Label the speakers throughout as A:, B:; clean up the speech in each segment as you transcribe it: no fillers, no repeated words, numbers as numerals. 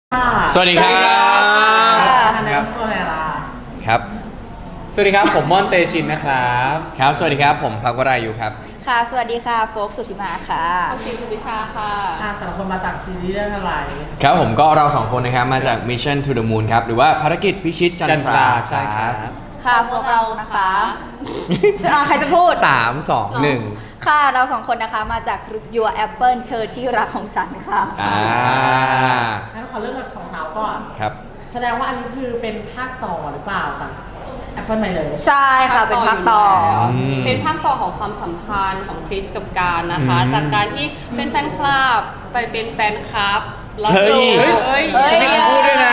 A: สวัสดีครับ
B: ครับตัวอะไรล่ะ
A: ครับ
C: สวัสดีครับผมม่อนเตชินนะครับ
A: ครับสวัสดีครับผมพักวรายุครับ
D: ค่ะสวัสดีค่ะโฟกสุธิมาค่ะ
E: ออกสีสุวิชาค่ะ
B: แต่ละคนมาจากซีรีส์เรื่องอะไร
A: ครับผมก็เราสองคนนะครับมาจาก Mission to the Moon ครับหรือว่าภารกิจพิชิตจันทรา
C: ใช่ครับ
D: ค่ะพวกเรานะคะใครจะพูด
A: 3 2
D: ค่ะเราสองคนนะคะมาจาก Your Apple เธอที่รักของฉันค่ะ
B: งั้นขอเริ่มแบบสองสาวก่อน
A: ครับ
B: แสดงว่าอันนี้คือเป็นภาคต่อหรือเปล่าจาก Apple ใหม่เลย
D: ใช่ค่ะเป็นภาคต่อ
E: เป็นภาคต่อของความสัมพันธ์ของคริสกับการนะคะ จากการที่เป็นแฟนคลับไปเป็นแฟนคลับแล้ว
A: เฮ้ย
C: ไม่ต้องพูดด้วยนะ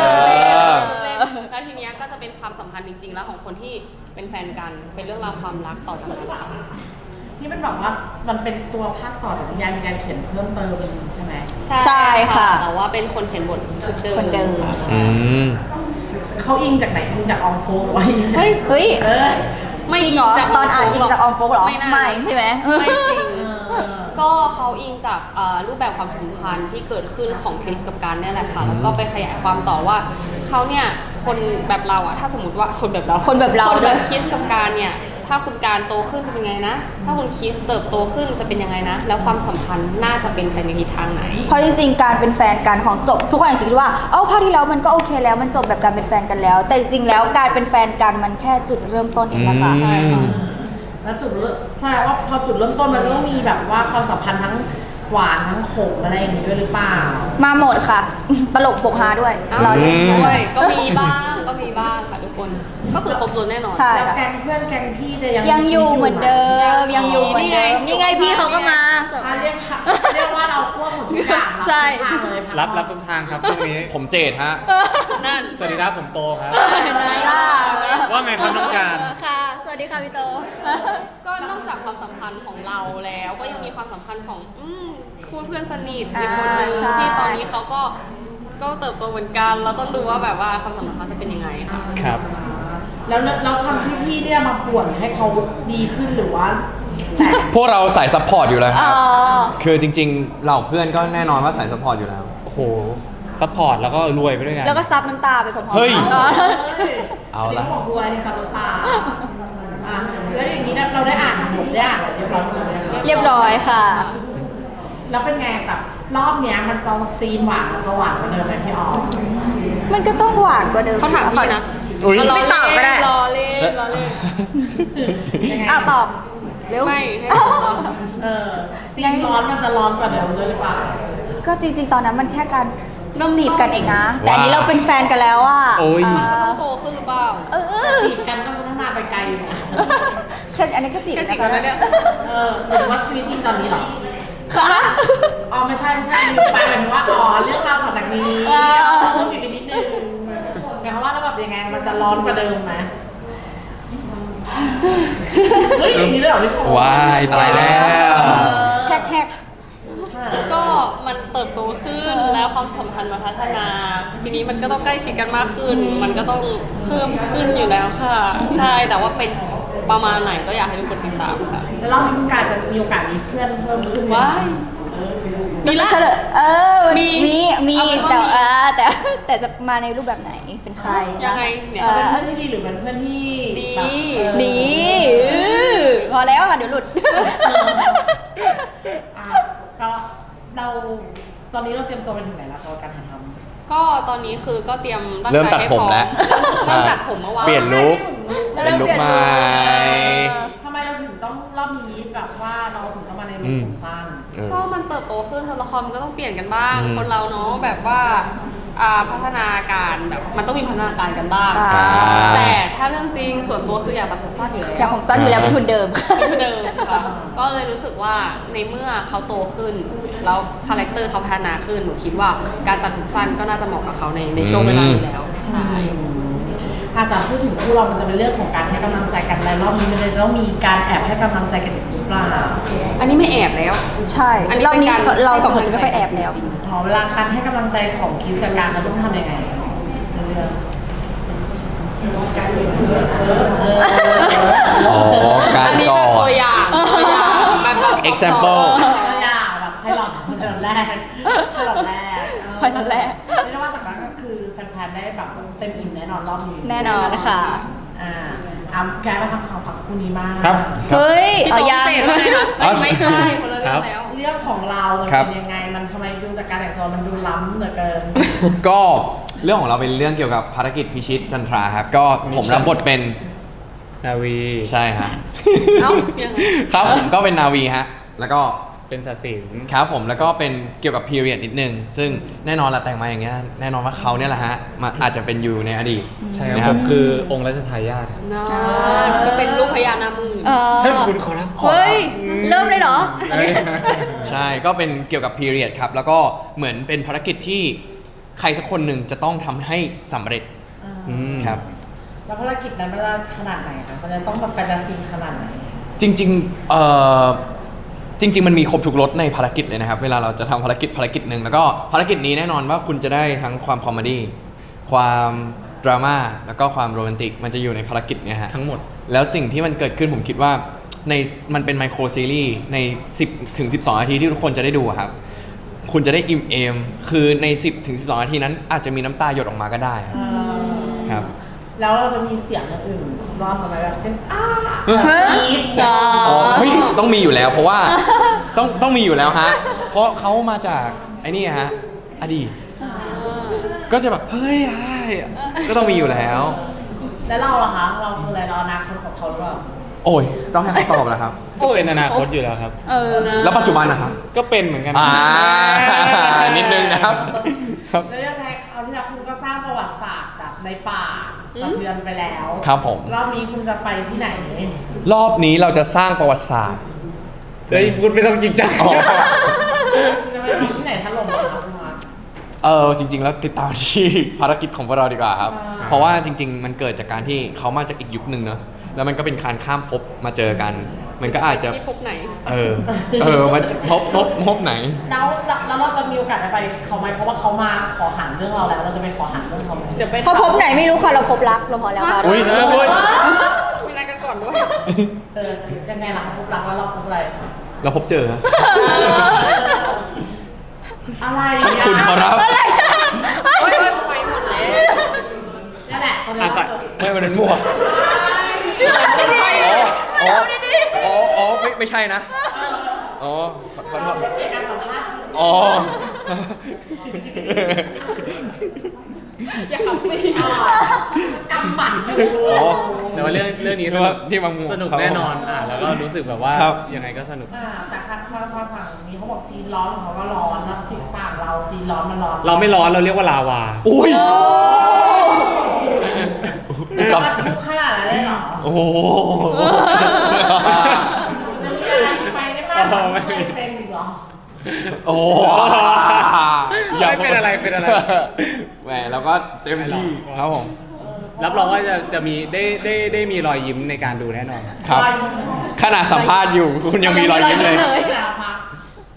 E: แล้วทีเนี้ยก็จะเป็นความสัมพันธ์จริงๆ แล้วของคนที่เป็นแฟนกันเป็นเรื่องราวความรักต่อจากนั้นค่ะ
B: นี่เป็นแบบว่ามันเป็นตัวภาคต่อจากนิยายมีการเขียนเพิ่มเติมใช่ไหม
D: ใช่ค่ะ
E: แต่ว่าเป็นคนเขียนบทชุดเดิม
D: คนเดิม
E: ค่ะ
A: อืม
B: เขาอิงจากไหนอิงจากอองโฟไว้
E: เฮ้ย
D: เฮ้ย
E: ไม่
D: จริงเหรอตอนอ่านอิงจากออมโฟกเหรอ
E: ไม่น่า
D: ไม่ใช่ไหม
E: ไม่จริง ก็เขาอิงจากรูปแบบความสัมพันธ์ที่เกิดขึ้นของคริสกับการเนี่ยแหละค่ะ แล้วก็ไปขยายความต่อว่าเขาเนี่ยคนแบบเราอะถ้าสมมติว่าคนแบบเรา
D: คนแบบเรา
E: คนแบบ
D: ด้วย
E: คริสกับการเนี่ยถ้าคุณการโตขึ้นจะเป็นยังไงนะ ถ้าคุณคริสเติบโตขึ้นจะเป็นยังไงนะ แล้วความสัมพันธ์น่าจะเป็นไปในทิศทางไหน
D: เพราะจริงๆการเป็นแฟนกันของจบทุกคนอาจจะคิดว่าภาคที่แล้วมันก็โอเคแล้วมันจบแบบการเป็นแฟนกันแล้ว แต่จริงๆแล้วการเป็นแฟนกันมันแค่จุดเริ่มต้นเองนะคะ
E: ใช่ค่ะ
B: แล้วจุดเริ่มแสดงว่าพอจุดเริ่มต้นมันจะต้องมีแบบว่าความสัมพันธ์ทั้งหวานทั้งขมอะไรอย่างนี้ด้วยหรือเปล่า
D: มาหมดค่ะ ตลกปกฮาด้วย เราเล่น
E: ด้วยก็มีบ้างค่ะทุกคนก็คือครบรถแน่นอน
D: ใช่
B: แล้วแกงเพื่อนแกงพี่จะยัง
D: ยังอยู่เหมือนเดิม
E: ยั
D: ยัง
E: ง
D: อ
E: อยู่
D: ยู่เหมือนเดิม
E: นี่
D: นี่
E: ไง
D: ไงพี่เขาก็มา
B: เรียกว่าเราควบหมดทุกอย่าง
D: ใช่
C: รับทุกทางครับพรุ่งนี้
A: ผมเจดฮะ
E: นั่น
C: สวัสดีครับผมโตครับ
D: ไหนล่ะ
C: ว่าไงครับน้องการ
D: ค่ะ สวัสดีค่ะพี่โต
E: ก็นอกจากความสัมพันธ์ของเราแล้ว ก็ยังมีความสัมพันธ์ของคู่เพื่อนสนิทอีกคนนึง
D: ใช่
E: ที่ตอนนี้เขาก็เติบโตเหมือนกันเราต้องดูว่าแบบว่าความสัมพันธ์เขาจะเป็นยังไงค่ะ
C: ครับ
B: แล้วเราทำพี่ๆเนี่ยมาป่วนให้เขาดีขึ้นหรือว่า
A: พวกเราสายซัพพอร์ตอยู่แล้วค
D: อ๋
A: รับ
D: อ
A: คือจริงๆเหล่าเพื่อนก็แน่นอนว่าสายซัพพอร์ตอยู่แล้ว
C: โอ้โห ซัพพอร์ตแล้วก็รวยไปด้วยกัน
D: แล้วก็ซับน้ำตาไปพร้อมๆ
A: เฮ้ย
D: กัน
A: เอาละ
B: บอกด้วยในซับตาแล้วอย่างนี้เราได้อ่านบทได้อ่านเรียบร้อยหมดเลย
D: เรียบร้อยค่ะ
B: แล้วเป็นไงแบบรอบเนี้ยมันจะซีนหวานสว่างกว่าเดิมไหมพี่ออม
D: มันก็ต้องหวานกว่าเดิม
E: เขาถามพี่นะ
A: อุ๊ย
D: ไม่ตอบก็ได้
E: รอเล่น
B: ยังไง
D: ตอบเร็ว
E: ไม่ให้ตอบ
B: ซีนร้อนมันจะร้อนกว่าเดิมด้วยหรือเปล่า
D: ก็จริงๆ ตอนนั้นมันแค่การ
E: เริ่ม
D: จีบกันเองนะ แต่อันนี้เราเป็นแฟนกันแล้วอ่ะ
C: โอ้ย
E: มันก็ต้องโตขึ้นหรือเปล่า
B: จีบกันก็พัฒนาไปไกลอยู่นะ
D: แค่อันนี้แค่จีบ
E: แค่จีบ
D: นะ
E: กัน
D: คะ
E: แล้วเนี่ย
B: หรือว่าชีวิตจริงตอนนี้เหรอ
D: ค่ะ
B: อ๋อไม่ใช่ลืมไปหมายถึงว่าเรื่องราวต่อจากนี้เพิ่มอีกนิดนึงหมายความว่าแล้วแบบยังไงมันจะร้อนกว่าเดิมไหมเฮ้ยอย่างนี้เลยเหรอพี่โป๊
A: ว้ายตายแล้ว
D: แฮก
E: ก็มันเติบโตขึ้นแล้วความสัมพันธ์มันพัฒนา ทีนี้มันก็ต้องใกล้ชิดกันมากขึ้น มันก็ต้องเพิ่มขึ้นอยู่แล้วค่ะ ใช่แต่ว่าเป็นประมาณไหนก็อยากให้ทุกคนติดตามค่ะ
B: แล้วรอบนี้คุณการจะมีโอกาสมีเพื่อนเพิ่มขึ้นไหม
E: ว้าย
D: มีละเฉลยมี
E: เอาเป็นว่า
D: แต่
E: มี
D: แต่จะมาในรูปแบบไหนเป็นใคร
E: ยังไงเนี่ย
B: เป็นเพื่อนที่ดีหรือเป็นเพื่อนที่
E: ดี
D: ดีพอแล้วค่ะเดี๋ยวหลุด
B: ก็เราตอนนี้เราเตรียมตัวไปถึงไหนแล้วสำหรับการถ่ายทำ
E: ก็ตอนนี้คือก็เตรียมร่าง
A: เริ่ม
E: กาย
A: ตัด
E: ให้
A: ผ
E: พ
A: ม
E: ร้อม
A: แล้ว
E: เริ่มตัดผมเมื่อวาน
A: เปลี่ยนลุคเป็นลุคใหม่
B: ทำไมเราถึงต้องรอบนี้แบบว่าเราถึงต้องมาในลุคผมสั้น
E: ก็มันเติบโตขึ้นตัวละครมันก็ต้องเปลี่ยนกันบ้าง
A: อืม
E: คนเราเนาะแบบว่าพัฒนาการแบบมันต้องมีพัฒนาการกันบ้าง
D: อ่า
E: แต่ถ้าเรื่องจริงส่วนตัวคืออยากตัดผมสั้นอยู่แล้ว
D: อย่างผมสั้นอยู่แล้วเป็นทุนเดิม
E: เดิมค่ะก็เลยรู้สึกว่าในเมื่อเขาโตขึ้น แล้วคาแรคเตอร์เขาพัฒนาขึ้นหนูคิดว่าการตัดผมสั้นก็น่าจะเหมาะกับเขาในช่วงเวลานี้แล้วใช่
B: แต่พูดถึงคู่เรามันจะเป็นเรื่องของการให้กำลังใจกันและรอบนี้มันจะต้องมีการแอบให้กำลังใจกันอีกหรือเปล่า
E: อันนี้ไม่แอบแล้ว
D: ใช่
E: อันนี้
D: รอบ
E: เป็น
D: นี้
E: การ
D: เราสองคนจะไม่ค่อยแอบแล้ว
B: เวลาการให้กำลังใจของคิสกับการเขาต้องทำยังไงในเรื่อง
A: อ๋อการ
E: อันนี้
A: ก่อ
E: แบบตัวน อย่างแบบ
A: example
B: ตัวอย่างแบบให้เราสองคนเดินแรกให้เราแรก
D: ให้เราแรก
B: เรียกได้ว่านๆได้แบบเต็มอิ่มแน่นอนรอบนี้
D: แน่นอนค่ะ
B: แกมาทำข่าวฝั่งคู่นี้มาก
C: ครับ
D: เฮ้ย
E: พี่
D: เอา
E: โต๊ะ
D: ยัง
E: เจดว่าไงคะไม่ใช่คนละเรื่องแล้ว
B: เรื่องของเรามัน
A: ครับ
B: เป็นยังไงมันทำไมดูจากการแต่งตัวมันดูล้ำเหลือเกิน
A: ก็เรื่องของเราเป็นเรื่องเกี่ยวกับภารกิจพิชิตจันทราครับก็ผมรับบทเป็น
C: นาวี
A: ใช่ฮะ
E: เอ้ายังไง
A: ครับผมก็เป็นนาวีฮะแล้วก็
C: เป็นศาสิน
A: ครับผมแล้วก็เป็นเกี่ยวกับพีเรียดนิดนึงซึ่งแน่นอนละแต่งมาอย่างเงี้ยแน่นอนว่าเขาเนี่ยแหละฮะมาอาจจะเป็นอยู่ในอดีต
C: ใช่
A: นะ
C: ค
A: ค
C: รั
A: รั
C: บบ ผมคือองค์รัชทายาท
E: นะก็เป็นลูกพญานาคหมื่น
D: เออ
C: ท่านคุณขอรับ
D: เฮ้ย เริ่มเลยเหรอ
A: ใช่ก็เป็นเกี่ยวกับพีเรียดครับแล้วก็เหมือนเป็นภารกิจที่ใครสักคนหนึ่งจะต้องทำให้สำเร็จ ครับ
B: แล้วภารกิจนั้นมันจะขนาดไหนคะมันจะต้องแบบแฟนตาซีขนาดไหน
A: จริงๆจริง ๆ มันมีครบทุกรสในภารกิจเลยนะครับ เวลาเราจะทำภารกิจหนึ่งแล้วก็ภารกิจนี้แน่นอนว่าคุณจะได้ทั้งความคอมเมดี้ความดราม่าแล้วก็ความโรแมนติกมันจะอยู่ในภารกิจเนี่ยฮะ
C: ทั้งหมด
A: แล้วสิ่งที่มันเกิดขึ้นผมคิดว่ามันเป็นไมโครซีรีส์ใน 10 ถึง 12 นาทีที่ทุกคนจะได้ดูอะครับ คุณจะได้อิ่มเอม คือใน 10 ถึง 12 นาทีนั้นอาจจะมีน้ำตาหยดออกมาก็ได้ครับครับ
B: แล้วเราจะมีเสียงอย่างอื่นรอบมาไหมแบบเช่นกรี๊ด
D: อ๋อ
A: อ๋อเฮ้ยต้องมีอยู่แล้วเพราะว่าต้องมีอยู่แล้วฮะ เพราะเขามาจากไอ้นี่ฮะอดีตก็จะแบบเฮ้ยก็ต้องมีอยู่แล้ว
B: แล้วเราล่ะคะเราคืออะไรเราอนาคตของเขาหรือเปล่า
A: โอ้ยต้องให้เขาตอบแล้วครับ
C: ก็เป็นอนาคตอยู่แล้วครับ
D: เออ
A: แล้วปัจจุบันนะครับ
C: ก็เป็นเหมือนกัน
A: นิดนึงนะครับครับ
B: แล้วยังไงเอาที่แล้วคุณก็สร้างประวัติศาสตร์แบบในป่าสะเทือนไปแล้ว
A: ครับผม
B: รอบนี้คุณจะไปที่ไหน
A: รอบนี้เราจะสร้างประวัติศาสตร์
C: เฮ้ยพูดไม่ต้องจริงจัง
A: อ๋อ
B: คุณจะไปทำที่ไหนถล่มเหรอครับคุณมา
A: จริง ๆ แล้วติดตามที่ภารกิจของพวกเราดีกว่าครับ เพราะว่าจริง ๆ มันเกิดจากการที่เขามาจากอีกยุคหนึ่งเนอะแล้วมันก็เป็นการข้ามภพมาเจอกัน มันก็อาจจะ
E: ที่พบไหน
A: มันจะพบไหน
B: แล้วเราจะมีโอกาสได้ไปเขาไหมเพราะว่าเขามาขอหันเรื่องเราแล้วเราจะไปขอหันเรื่องเขาไหม
E: เดี๋ยวไป
D: เขาพบไหนไม่รู้ค่ะ เราพบรักเราพอแล้วค่ะ
A: อุ๊ย
E: มีนัดกันก่อนด้วย
B: ยังไงล่ะเขาพบรักแล้วเราพบอะไร
A: เราพบเจอนะ
B: อะไร
A: คุณขอรับ
D: อะไร
E: โอ๊ยไปหมดแล้ว
B: นี่นแหละตอนนี้
C: อาศัย
A: ไม่มันเป็นมั่ว
E: จะไป
A: ไม่ใช่นะ อ๋อ ขอโทษ
B: เกี่ยวกับการสัมภาษณ์
A: อ๋อ
E: อย่าขับไป
B: กำหมัดอยู่
A: อ๋อ
C: แต่ว่าเรื่องนี้ส
A: นึก
C: นุ
A: ว่าก ที่บางมุม
C: สนุกแน่นอนแล้วก็รู้สึกแบบว่า
A: ครับ
C: ยังไงก็สนุก
B: แต่ค่ะฝั่งนี้เขาบอกซีนร้อนของเขาก็ร้อนแล้วซีนฝั่งเราซีนร้อนมันร้อน
C: เราไม่ร้อนเราเรียกว่าลาวา
A: อุ้ย
B: แล้วมันทุกขนาดนั้นเลยเหรอ
A: โอ้โห
B: จะมีอะไรไปได้มากกว่าที่เคยเป็นอีกเหรอ
A: โอ้โห
C: ไม่เป็นอะไรเป็นอะไร
A: แหมเราก็เต็มที่ครับผม
C: รับรองว่าจะมีได้มีรอยยิ้มในการดูแน่นอน
A: ครับ ขนาดสัมภาษณ์อยู่คุณยังมีรอยยิ้มเลย
B: เลยนะพัก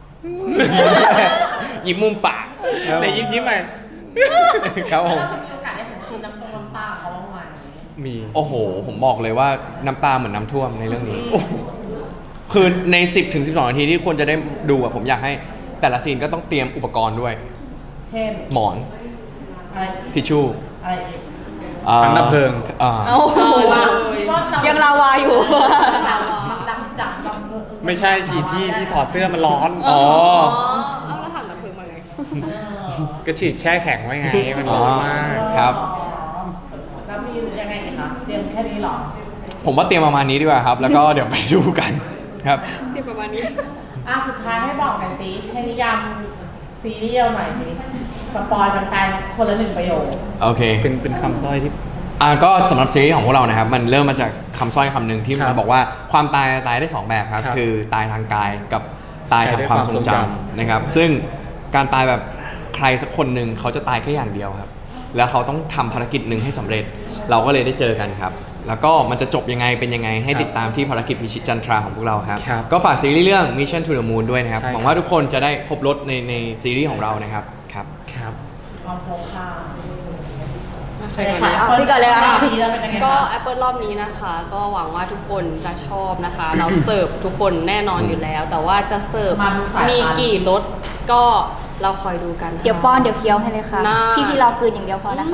A: ยิ้มมุมปาก
C: แต่ยิ้มไป
A: ครับผม
B: แล้วเราจะมีโอกาสได้เห็นซีนน้ำตาเขาบ้างไหม
C: มี
A: โอ้โห ผมบอกเลยว่าน้ำตาเหมือนน้ำท่วมในเรื่องนี้ คือใน 10 ถึง 12 นาทีที่ควรจะได้ดูอะผมอยากให้แต่ละซีนก็ต้องเตรียมอุปกรณ์ด้วย
B: เช่น
A: หมอน
B: อะไรอีก
A: ทิชชู่
B: อะไรอีก
C: ถังดับเพลิง
D: โอ้โห ยังลาวาอยู่
B: ดับ
C: ไม่ใช่ฉีดที่ถอดเสื้อมันร้อน
A: อ๋อ
E: เอาแล้วถังดับเพลิงมาไง
C: ก็ฉีดแช่แข็งไว้ไงมันร้อนมาก
A: ครับ
B: แล้วมียังไงอีกคะเตรียมแค่นี้เหรอ
A: ผมว่าเตรียมประมาณนี้ดีกว่าครับ แล้วก็เดี๋ยวไปดูกันครับ
E: ที่ประมาณนี้
B: สุดท้ายให้บอกหน่อยสิให้นิยามซีรีส์เราหน่อยสิสปอยแฟนๆคนละ1 ประโยค
A: โอเค
C: เป็นคำต้อยที่
A: ก็สำหรับซีรีส์ของพวกเรานะครับ มันเริ่มมาจากคำสร้อยคำหนึ่งที่
C: ครั
A: มัน
C: บ
A: บอกว่าความตายได้ 2 แบบครับ
C: ครับ
A: คือตายทางกายกับตายทางความทรงจำ
C: ตายด้วยความทรงจำ
A: นะครับ ซึ่งการตายแบบใครสักคนหนึ่งเขาจะตายแค่อย่างเดียวครับ แล้วเขาต้องทำภารกิจหนึ่งให้สำเร็จ เราก็เลยได้เจอกันครับ แล้วก็มันจะจบยังไงเป็นยังไงให้ติดตามที่ภารกิจพิชิตจันทราของพวกเราครับ
C: ครับ
A: ก็ฝากซีรีส์เรื่อง Mission to the Moon ด้วยนะครับ
C: ใช่
A: หวังว่าทุกคนจะได้ครบรถในซีรีส์ของเรานะครับครับ
C: ครับ
B: ความโฟกัส
E: ใครก่อน
D: เอาพี่ก่อนเลยอะ
E: ก็ Apple รอบนี้นะคะ ก็หวังว่าทุกคนจะชอบนะคะ เราเสิร์ฟทุกคนแน่นอนอยู่แล้ว แต่ว่าจะเสิร์ฟ
B: มาทุกสายพันธุ์
E: มีกี่รสก็เราคอยดูกันค่ะ
D: เดี๋ยวป้อนเดี๋ยวเคี้ยวให้เลยค่ะ
E: น่า
D: พี่รอกลืนอย่างเดียวพอนะคะ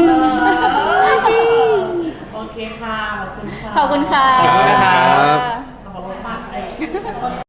B: โอเคค่ะ ขอบคุณค่ะ
D: ขอบคุณค่ะ
C: ขอบคุณนะครับ
B: สำหรับรถบัส